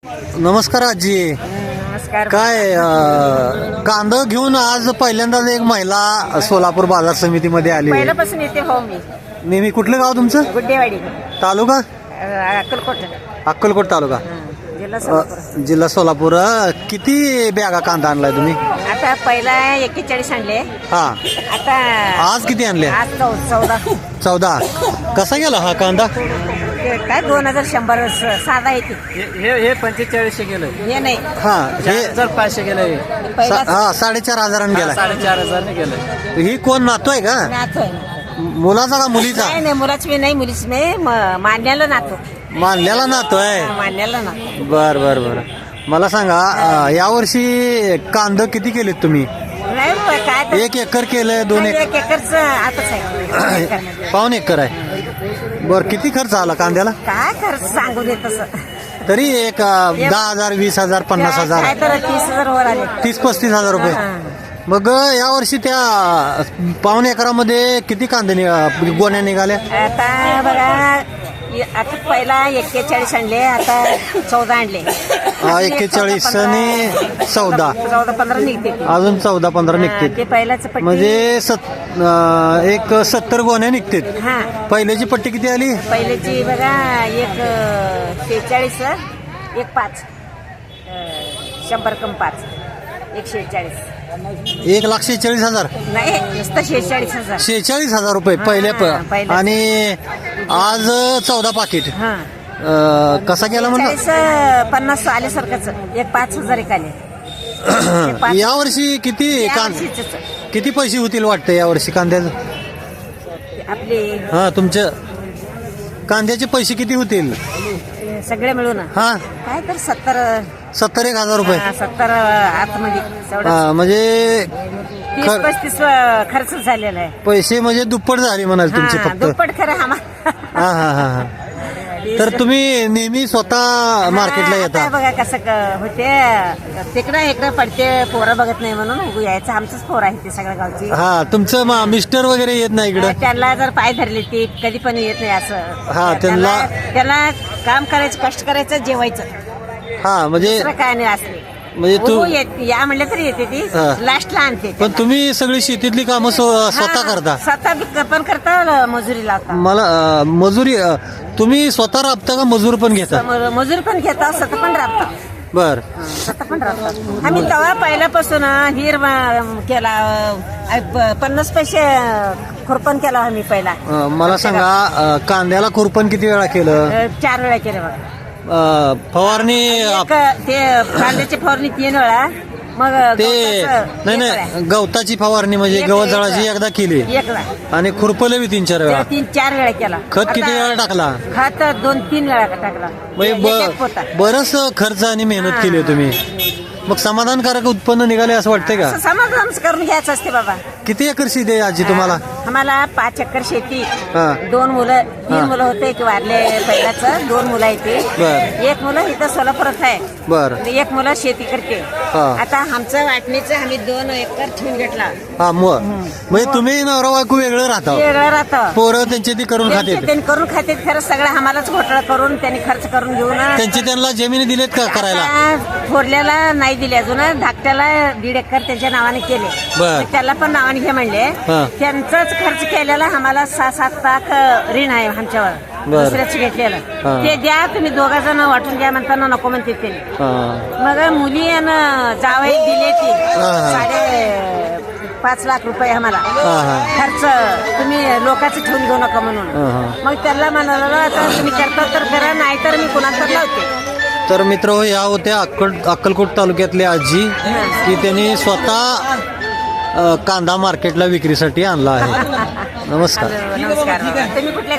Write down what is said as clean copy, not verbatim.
नमस्कार आजी. नमस्कार. काय कांदा घेऊन आज पहिल्यांदाच एक महिला सोलापूर बाजार समितीमध्ये आली. पहिल्यापासून येते हो मी. नेहमी कुठलं गाव तुमचं? गुड्डेवाडी, तालुका अक्कलकोट, अक्कलकोट तालुका, जिल्हा सोलापूर. जिल्हा सोलापूर. किती बॅगा कांदा आणलाय तुम्ही? आता पहिला 41 आणले. हा. आता आज किती आणले? आज 14. 14. कसा गेला हा कांदा? काय 2100 साधा येते. हे 4500 गेलं. हे नाही. हा हे 4500 गेलं. पहिला 4,500 गेला. 4500 गेलं. ही कोण नातो आहे का? नातो आहे. मुलाचा का मुलीचा? नाही नाही, मुलाची नाही, मुलीची नाही, मान्याला नातो. मानल्याला नातो आहे. मान्याला नातो. बर बर बर. मला सांगा यावर्षी कांदा किती केलेत तुम्ही? नाही बा, काय तर 1 एकर केलं? 2 नाही, एकर? 1 एकरच आताच आहे. पाऊण एकर आहे. बर, किती खर्च आला कांद्याला? काय खर्च सांगू दे तसं. तरी एक 10,000, 20,000, 50,000, काय तर 30,000 वर आले. 30-35,000 रुपये. मग यावर्षी त्या पाऊण एकरामध्ये किती कांदे गोण्या निघाल्या? आता बघा, आता पहिला 41 आणले, आता 14 आणले. 41 आणि 14, 14-15 निघते ते. अजून 14-15 निघते. ते पहिल्याच पट्टी. म्हणजे एक 70 गोण्या निघते. हा, पहिल्याची पट्टी किती आली? पहिल्याची बघा 146, 1.5, 100 कम 5, 146. 1,46,000. नाही, नुसतं 46,000. 46,000 रुपये पहिल्या पहिल्या. आणि आज 14 पाकिट. हा, कसा गेला म्हणलं? 50 आल्यासारखंच. 5,000 एक आले. यावर्षी किती किती पैसे होतील वाटतं यावर्षी कांद्याचं? आपले हा, तुमच्या कांद्याचे पैसे किती होतील? सगळे मिळून हा, काय तर 70 71,000 रुपये. 70 आतमध्ये तेवढं. म्हणजे 30-35 खर्च झालेला आहे. पैसे म्हणजे दुप्पट झाले म्हणाल तुमचे हा, फक्त. दुप्पट खरं हा हा हा हा. तर तुम्ही नेहमी स्वतः मार्केटला येता? बघा कसं होते, तिकडं इकडं पडते, पोरं बघत नाही म्हणून उगू यायचं. आमचंच पोरं आहे ते सगळ्या गावची. हा, तुमचं मिस्टर वगैरे येत नाही इकडं? त्यांना जर पाय धरले ते कधी पण येत नाही असं. हा, त्याला काम करायचं, कष्ट करायचं, जेवायचं, हा. म्हणजे दुसरं काय नाही असले. म्हणजे तू या म्हणलं तरी येते ती, हा. लास्टला आणते. पण तुम्ही सगळी शेतीतली कामं स्वतः करता? स्वतः पण करता, मजुरी लावता. मला मजुरी तुम्ही स्वतः राबता का मजूर पण घेता? मजूर पण घेता, स्वतः पण राबता. बर. स्वतः पण राबता. आम्ही तेव्हा पहिल्यापासून हिर केला, 50 पैसे खुरपण केला आम्ही पहिला. मला सांगा कांद्याला खुरपण किती वेळा केलं? 4 वेळा केलं बघा. फवारणी ते कांद्याची फवारणी 3 वेळा. मग ते नाही गवताची फवारणी म्हणजे गवत जळाची एकदा केली 1 वेळा. आणि खुरपलं बी 3-4 वेळा. 3-4 वेळा केला. खत किती वेळा टाकला? खत 2-3 वेळा टाकला. म्हणजे बरंच खर्च आणि मेहनत केली तुम्ही. मग समाधानकारक उत्पन्न निघाले असं वाटतंय का? समाधान करून घ्यायचं असते बाबा. किती एकर शेती आहे आजी तुम्हाला? आम्हाला 5 एकर शेती. हा. 2 मुलं, 3 मुलं होते की वारले पहिल्याच. 2 मुलं आहेत ते. बर. 1 मुलं इथं सोलापुरात आहे. बर. 1 मुलं शेती करते. हा. आता आमचं वाटणीचं आम्ही 2 एकर ठेवून घेतला. हा, म्हणजे तुम्ही नवरा बायको वेगळं राहता? वेगळं राहतं. पोरं त्यांची ती करून खाते? त्यांनी करून खाते. खरं सगळं आम्हालाच घोटाळा करून त्यांनी खर्च करून घेऊन. त्यांना जमिनी दिलेत का करायला? थोरल्याला नाही दिले अजून. धाकट्याला 1.5 एकर त्यांच्या नावाने केले. बर. त्याला पण नावाने घे म्हणले. हा. त्यांचाच खर्च केलेला आम्हाला 6-7 लाख ऋण आहे आमच्यावर. बर. दुसऱ्याच घेतलेलं. हा. ते द्या तुम्ही 2 जण वाटून द्या म्हणताना नको म्हणते ते. हा. मग मुली जावई दिले ती हा. 5.5 लाख रुपये आम्हाला हा. खर्च. तुम्ही लोकांचं ठेवून घेऊ नका म्हणून. हा. मग त्याला म्हणाला आता तुम्ही करता तर करा, नाही तर मी कुणाला तर लावते. तर मित्र हो, या होत्या अक्कलकोट तालुक्यातले आजी की त्यांनी स्वतः कांदा मार्केटला विक्रीसाठी आणला आहे. नमस्कार. नमस्कार. तुम्ही कुठल्या